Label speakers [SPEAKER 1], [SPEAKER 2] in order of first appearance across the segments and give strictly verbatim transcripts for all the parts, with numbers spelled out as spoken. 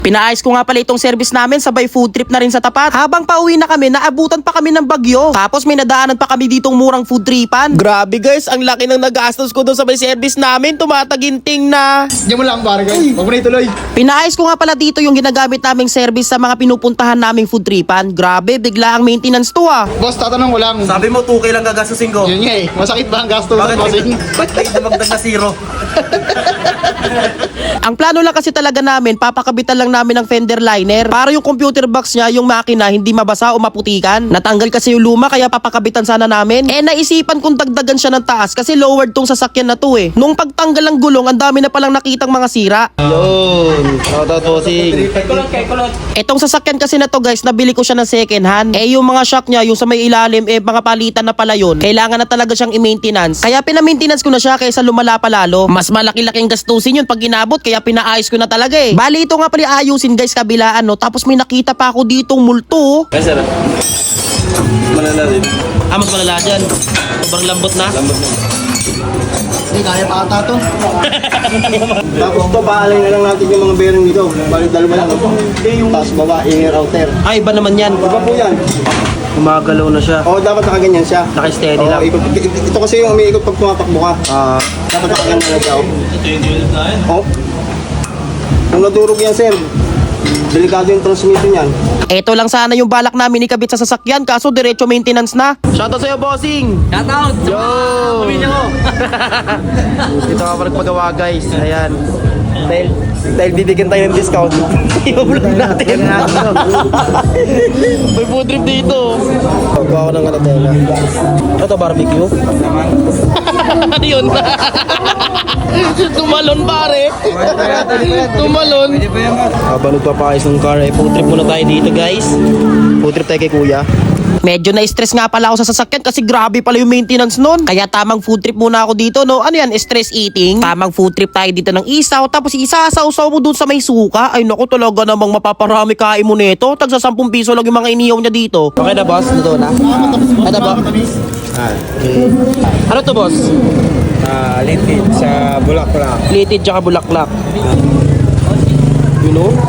[SPEAKER 1] Pinaayos ko nga pala itong service namin, sabay food trip na rin sa tapat. Habang pauwi na kami, naabutan pa kami ng bagyo. Tapos may nadaanan pa kami ditong murang food tripan. Grabe guys, ang laki ng nagastos ko doon sa may service namin. Tumataginting na.
[SPEAKER 2] Diyan mo lang pare guys. Huwag mo na ituloy.
[SPEAKER 1] Pinaayos ko nga pala dito yung ginagamit naming service sa mga pinupuntahan naming food tripan. Grabe, bigla ang maintenance to ah.
[SPEAKER 2] Boss, tatanong ko lang.
[SPEAKER 3] Sabi mo, two K lang gagastusin ko.
[SPEAKER 2] Yun nga eh. Masakit ba ang gasto
[SPEAKER 3] Bakit
[SPEAKER 2] sa bossing?
[SPEAKER 3] Ba't kayo dumagdag na zero?
[SPEAKER 1] Ang plano lang kasi talaga namin, papakabitan lang namin ng fender liner para yung computer box niya, yung makina, hindi mabasa o maputikan. Natanggal kasi yung luma kaya papakabitan sana namin. Eh naisipan kong dagdagan siya ng taas kasi lowered tong sasakyan na to eh. Nung pagtanggal ng gulong, ang dami na palang nakitang mga sira.
[SPEAKER 3] Yun. Shoutout bossing.
[SPEAKER 1] Etong sasakyan kasi na to guys, nabili ko siya ng second hand. Eh yung mga shock niya, yung sa may ilalim, eh mga palitan na pala yun. Kailangan na talaga siyang i-maintenance. Kaya pina-maintenance ko na siya kaysa lumala pa lalo. Mas malaki-laking gastusin yun pag inabot, kaya pinaayos ko na talaga eh. Bali ito nga pala ayusin guys, kabilaan no. Tapos may nakita pa ako ditong multo.
[SPEAKER 3] Ay, sir. Malala rin.
[SPEAKER 1] Ah, mas malala dyan. Sobrang lambot na.
[SPEAKER 3] Lambot na.
[SPEAKER 2] Hindi, kaya pa ata to.
[SPEAKER 4] Tapos to, paalay na lang natin yung mga bearing dito. Balik dalawa lang. Tapos baba, inner outer.
[SPEAKER 1] Ay, iba naman yan.
[SPEAKER 4] Iba po yan.
[SPEAKER 1] Gumagalaw na siya.
[SPEAKER 4] Oo, dapat nakaganyan siya.
[SPEAKER 1] Naka-steady
[SPEAKER 4] Oo,
[SPEAKER 1] lang.
[SPEAKER 4] ikot, ito kasi yung umiikot pag tumatakbo ka.
[SPEAKER 1] Ah,
[SPEAKER 4] Dapat nakaganyan na siya. Oo. Kung nadurog yan, sir, delikado yung transmission yan.
[SPEAKER 1] eto lang sana yung balak namin ikabit sa sasakyan, kaso diretso maintenance na. Shoutout sa'yo, bossing!
[SPEAKER 3] Shoutout! Yo! Pamilya ko!
[SPEAKER 1] Ito ka pa nagpagawa, guys. Ayan.
[SPEAKER 3] Dahil, dahil bibigyan tayo ng discount. I-vlog natin.
[SPEAKER 1] May food trip dito.
[SPEAKER 4] Pagkawa ko ng katatela.
[SPEAKER 1] Ito, barbecue? Ano yun? Tumalon, pare. Tumalon.
[SPEAKER 4] Habang nagpapakayos ng car, eh, food trip muna tayo dito, guys. Food trip tayo kay kuya.
[SPEAKER 1] Medyo na-stress nga pala ako sa sasakyan kasi grabe pala yung maintenance nun. Kaya tamang food trip muna ako dito, no? Ano yan? Stress eating? Tamang food trip tayo dito ng isaw. Tapos isasaw-saw mo dun sa may suka. Ay naku, talaga namang mapaparami kain mo nito. Tagsa sampung piso lang yung mga iniyaw niya dito.
[SPEAKER 4] Okay na, boss? Ito na?
[SPEAKER 1] Ano ba?
[SPEAKER 4] Ah,
[SPEAKER 1] Ano to, boss?
[SPEAKER 4] ah, litid sa Bulaklak.
[SPEAKER 1] Litid tsaka bulaklak. You know?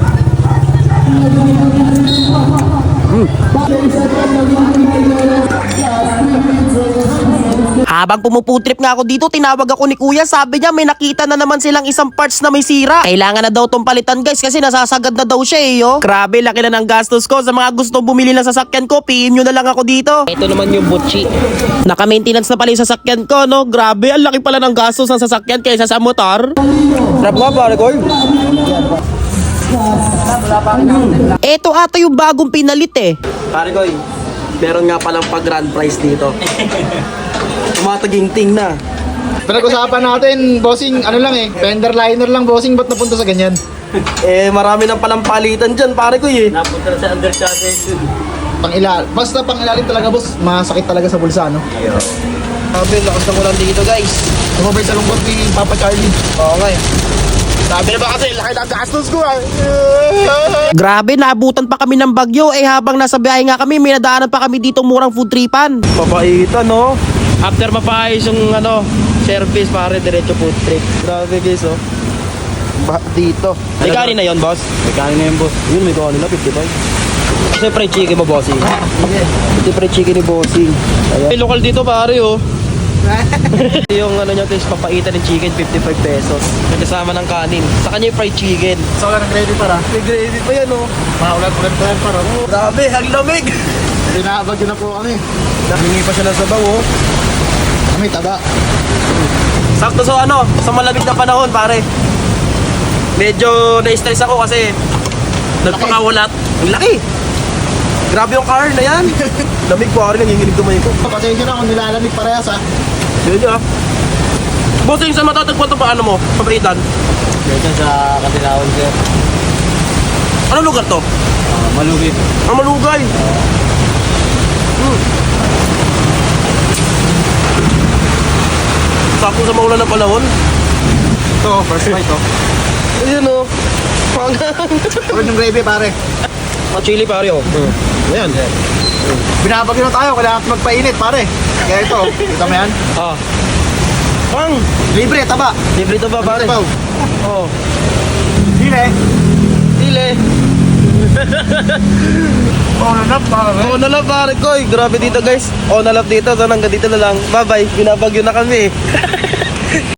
[SPEAKER 1] Habang pumuputrip nga ako dito, tinawag ako ni kuya. Sabi niya may nakita na naman silang isang parts na may sira. Kailangan na daw tong palitan guys kasi nasasagad na daw siya eh yo. Grabe, laki na ng gastos ko. Sa mga gusto bumili ng sasakyan ko, P M nyo na lang ako dito. Ito naman yung butchi. Naka-maintenance na pala yung sasakyan ko, no? Grabe, ang laki pala ng gastos ng sasakyan kaysa sa motor.
[SPEAKER 4] Trap nga, pare ko.
[SPEAKER 1] Ito ata yung bagong pinalit eh.
[SPEAKER 3] Pare ko, meron nga palang pag-grand prize dito. Tumataginting na.
[SPEAKER 2] Pinag-usapan natin, bossing, ano lang eh. Fender liner lang, bossing. Ba't napunta sa ganyan?
[SPEAKER 3] Eh, marami nang palang palitan dyan, pare ko eh.
[SPEAKER 5] Napunta na sa undercharges.
[SPEAKER 2] Pang ilal. Basta pang ilalim talaga, boss. Masakit talaga sa bulsa, no?
[SPEAKER 3] Sabi, lakas ng ulan dito, guys.
[SPEAKER 2] Tumabay sa lungkot ni Papa Charlie.
[SPEAKER 3] Oo nga eh.
[SPEAKER 2] Sabi na ba kasi, laki ng gastos ko ah.
[SPEAKER 1] Grabe, naabutan pa kami ng bagyo. Eh habang nasa biyahe nga kami, may nadaanan pa kami dito murang food tripan.
[SPEAKER 3] Papaitan, no?
[SPEAKER 1] After mapaayos yung ano, service, pare, diretso food trip.
[SPEAKER 3] Grabe, guys, oh. Ba dito.
[SPEAKER 1] May kanin na yun, boss?
[SPEAKER 3] May kanin na yun, boss. Yun, may kanin na, fifty-five.
[SPEAKER 1] Kasi fried chicken mo, bossing.
[SPEAKER 3] Ito fried chicken ni bossing.
[SPEAKER 1] May lokal dito, pare, oh. Yung ano niya, guys, papaitan ng chicken, fifty-five pesos. Kasama ng kanin. Sa kanya yung fried chicken.
[SPEAKER 2] So, wala ng gravy para.
[SPEAKER 3] May gravy pa yan, oh.
[SPEAKER 2] Maulat-ulat pa yan para.
[SPEAKER 3] Grabe, ang lamig.
[SPEAKER 2] Pinabagyo na po kami.
[SPEAKER 3] Hingi pa siya ng sabaw, oh.
[SPEAKER 2] Kami, taba.
[SPEAKER 1] Sakto sa ano, sa malamig na panahon, pare. Medyo na-stress ako kasi nagpakawalat. Ang laki. Grabe yung car na yan.
[SPEAKER 3] Lamig po, pare, nanginginig tumayo ko.
[SPEAKER 2] Pasensya na kung nilalamig parehas ah.
[SPEAKER 1] Yun yun, ah. Bossing, saan matatagpuan ito pa ano mo? Pabritan?
[SPEAKER 5] Dito sa Katilawan, sir.
[SPEAKER 1] Ano lugar to?
[SPEAKER 5] Uh, Malugit.
[SPEAKER 1] Ang Malugay. Hmm. Sakto sa maulan ng panahon.
[SPEAKER 2] Ito, first bite oh.
[SPEAKER 1] Ayun o. Pangang.
[SPEAKER 2] Huwag yung gravy pare.
[SPEAKER 1] Ang chili pare o.
[SPEAKER 2] Ayan. Binabagyo na tayo, kailangan natin magpainit pare. Kaya ito, kita mo yan?
[SPEAKER 1] Ah. Pang.
[SPEAKER 2] Libre, taba.
[SPEAKER 1] Libre to ba pare?
[SPEAKER 2] Tabaw.
[SPEAKER 1] Oo.
[SPEAKER 2] Hile. Oh, nanap, pare.
[SPEAKER 3] Oo na lang pare ko. Grabe dito guys. Oo na lang dito. So hanggang dito na lang. Bye bye. Binabagyo na kami.